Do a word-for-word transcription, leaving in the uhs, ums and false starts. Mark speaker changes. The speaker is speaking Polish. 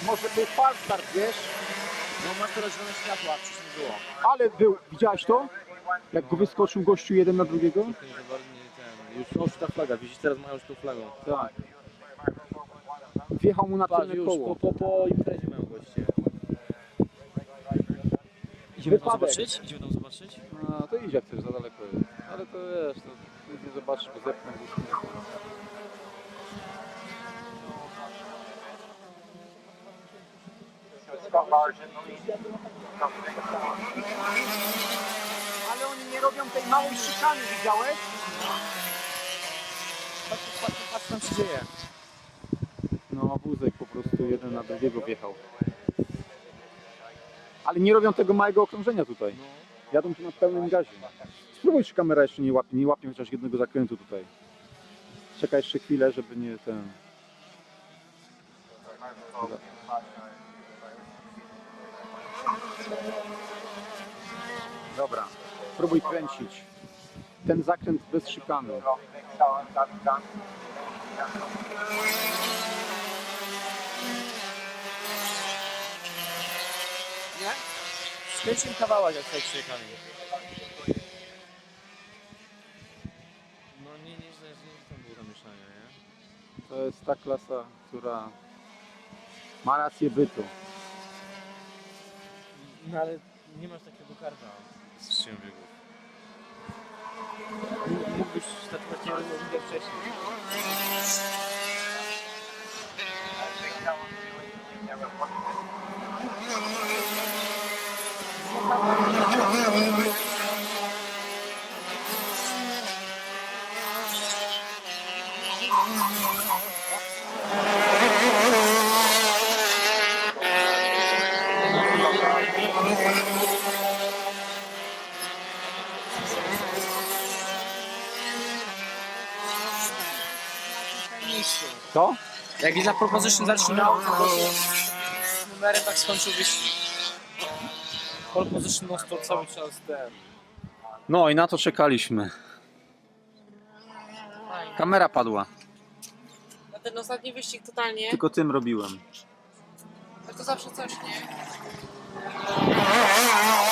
Speaker 1: może był falstart, wiesz?
Speaker 2: No masz teraz zielone światło, a wcześniej było.
Speaker 1: Ale był, widziałeś to? Jak go wyskoczył gościu jeden na drugiego?
Speaker 2: Nie, za bardzo nie ten. Już, no, już ta flaga, widzisz, teraz mają już tą flagą.
Speaker 1: Tak. Wjechał mu na
Speaker 2: Patrz,
Speaker 1: tylne
Speaker 2: już
Speaker 1: koło.
Speaker 2: po, po, po imprezie mają goście.
Speaker 3: Idziemy tam
Speaker 1: Wypadek.
Speaker 3: zobaczyć? Idziemy tam zobaczyć?
Speaker 1: No to idź jak chcesz, za daleko jest. Ale to wiesz, to nic nie zobaczysz, bo zepnę gdzieś. Ale oni nie robią tej małej szykany, widziałeś?
Speaker 2: Patrz, patrz, patrz, co tam się dzieje.
Speaker 1: No wózek po prostu jeden na drugiego wjechał. Ale nie robią tego małego okrążenia tutaj. Jadą tu na pełnym gazie. Spróbuj, czy kamera jeszcze nie łapie, nie łapie chociaż jednego zakrętu tutaj. Czekaj jeszcze chwilę, żeby nie ten... Dobra. Dobra, spróbuj kręcić. Ten zakręt bez szykany.
Speaker 2: Nie? Skręciłem kawałek, jak tutaj przyjechali. No nie, nie, źle, nie, tam było zamieszanie, nie?
Speaker 1: To jest ta klasa, która ma rację bytu.
Speaker 2: No ale nie masz takiego karta z strzem biegów. Mógł- Mógłbyś startować nie rozmawiać wcześniej.
Speaker 1: Co?
Speaker 3: Jak na proposition zaczynał, to z numerem tak skończył wyścig. Pole position non stop cały czas ten.
Speaker 1: No i na to czekaliśmy. Kamera padła,
Speaker 4: Na ten ostatni wyścig totalnie.
Speaker 1: tylko tym robiłem.
Speaker 4: Ale to zawsze coś, nie?